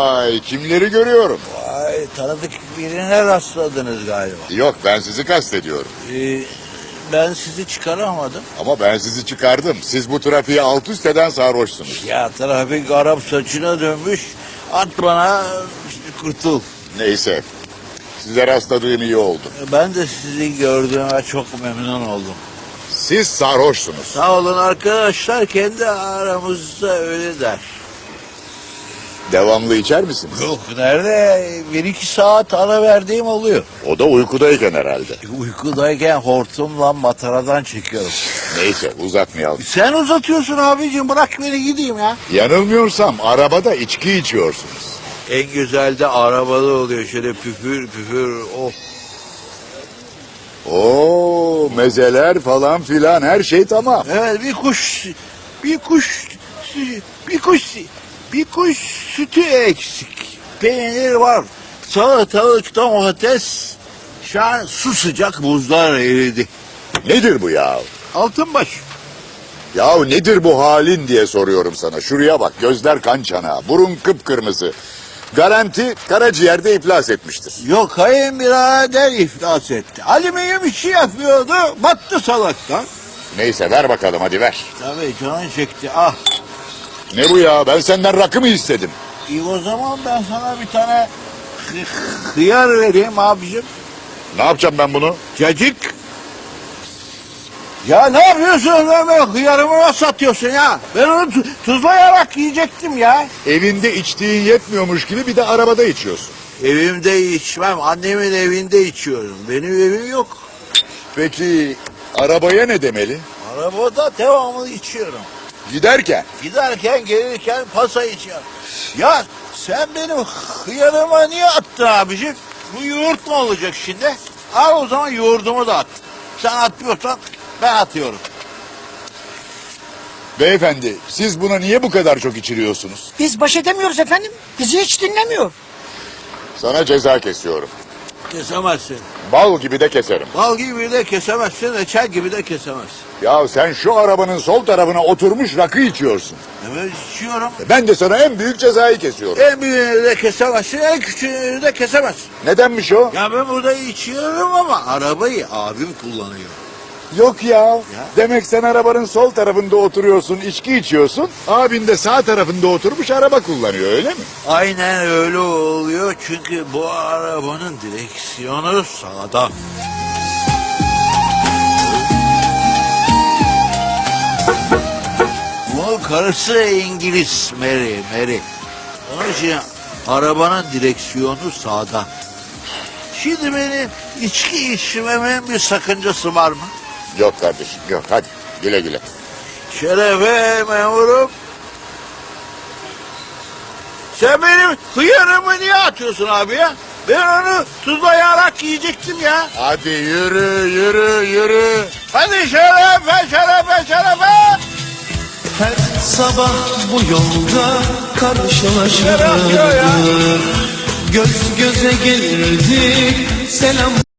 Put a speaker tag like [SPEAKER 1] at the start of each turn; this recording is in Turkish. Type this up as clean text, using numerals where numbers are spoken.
[SPEAKER 1] Ay, kimleri görüyorum?
[SPEAKER 2] Vay, tanıdık birine rastladınız galiba.
[SPEAKER 1] Yok, ben sizi kastediyorum.
[SPEAKER 2] Ben sizi çıkaramadım.
[SPEAKER 1] Ama ben sizi çıkardım. Siz bu trafiği alt üst eden sarhoşsunuz.
[SPEAKER 2] Ya trafik Arap saçına dönmüş. At bana kurtul.
[SPEAKER 1] Neyse. Size rastladığım iyi oldu.
[SPEAKER 2] Ben de sizi gördüğüme çok memnun oldum.
[SPEAKER 1] Siz sarhoşsunuz.
[SPEAKER 2] Sağ olun arkadaşlar, kendi aramızda öyle der.
[SPEAKER 1] Devamlı içer misiniz?
[SPEAKER 2] Yok, nerede? 1-2 saat ara verdiğim oluyor.
[SPEAKER 1] O da uykudayken herhalde.
[SPEAKER 2] Uykudayken hortumla mataradan çekiyorum.
[SPEAKER 1] Neyse, uzatmayalım.
[SPEAKER 2] Sen uzatıyorsun abicim, bırak beni gideyim ya.
[SPEAKER 1] Yanılmıyorsam arabada içki içiyorsunuz.
[SPEAKER 2] En güzel de arabalı oluyor, şöyle püfür püfür, oh.
[SPEAKER 1] Oo, mezeler falan filan, her şey tamam.
[SPEAKER 2] Evet, bir kuş sütü eksik. Peynir var, salatalık, domates. Şu an su sıcak, buzlar eridi.
[SPEAKER 1] Nedir bu ya?
[SPEAKER 2] Altınbaş.
[SPEAKER 1] Yahu nedir bu halin diye soruyorum sana. Şuraya bak, gözler kan çanağı, burun kıpkırmızı. Garanti karaciğerde iflas etmiştir.
[SPEAKER 2] Yok, kayınbirader iflas etti. Alüminyum işi yapıyordu, battı salaktan.
[SPEAKER 1] Neyse, ver bakalım, hadi ver.
[SPEAKER 2] Tabii canın çekti, ah.
[SPEAKER 1] Ne bu ya, ben senden rakı mı istedim?
[SPEAKER 2] İyi, o zaman ben sana bir tane hıyar vereyim abicim.
[SPEAKER 1] Ne yapacağım ben bunu?
[SPEAKER 2] Cacık. Ya ne yapıyorsun Ömer? Hıyarımı nasıl atıyorsun ya? Ben onu tuzlayarak yiyecektim ya.
[SPEAKER 1] Evinde içtiğin yetmiyormuş gibi bir de arabada içiyorsun.
[SPEAKER 2] Evimde içmem. Annemin evinde içiyorum. Benim evim yok.
[SPEAKER 1] Peki arabaya ne demeli?
[SPEAKER 2] Arabada devamlı içiyorum.
[SPEAKER 1] Giderken.
[SPEAKER 2] Giderken gelirken pasa içiyorum. Ya sen benim hıyarıma niye attın abicim? Bu yoğurt mu olacak şimdi? Al o zaman yoğurdumu da at. Sen atmıyorsan ben atıyorum.
[SPEAKER 1] Beyefendi, siz buna niye bu kadar çok içiriyorsunuz?
[SPEAKER 3] Biz baş edemiyoruz efendim. Bizi hiç dinlemiyor.
[SPEAKER 1] Sana ceza kesiyorum.
[SPEAKER 2] Kesemezsin.
[SPEAKER 1] Bal gibi de keserim.
[SPEAKER 2] Bal gibi de kesemezsin, reçel gibi de kesemezsin.
[SPEAKER 1] Ya sen şu arabanın sol tarafına oturmuş rakı içiyorsun.
[SPEAKER 2] Evet, içiyorum.
[SPEAKER 1] Ben de sana en büyük cezayı kesiyorum.
[SPEAKER 2] En büyüğünü de kesemezsin, en küçüğünü de kesemezsin.
[SPEAKER 1] Nedenmiş o?
[SPEAKER 2] Ya ben burada içiyorum ama arabayı abim kullanıyor.
[SPEAKER 1] Yok ya. Demek sen arabanın sol tarafında oturuyorsun, içki içiyorsun. Abin de sağ tarafında oturmuş araba kullanıyor, öyle mi?
[SPEAKER 2] Aynen öyle oluyor, çünkü bu arabanın direksiyonu sağda. Bu karısı İngiliz, Mary. Onun için arabanın direksiyonu sağda. Şimdi benim içki içmemin bir sakıncası var mı?
[SPEAKER 1] Yok kardeşim, yok. Hadi güle güle.
[SPEAKER 2] Şerefe memurum. Sen benim hıyarımı niye atıyorsun abi ya? Ben onu tuzlayarak yiyecektim ya.
[SPEAKER 1] Hadi yürü.
[SPEAKER 2] Hadi şerefe.
[SPEAKER 4] Her sabah bu yolda karşılaşırdık.
[SPEAKER 2] Şeref ya.
[SPEAKER 4] Göz göze gelirdik, selam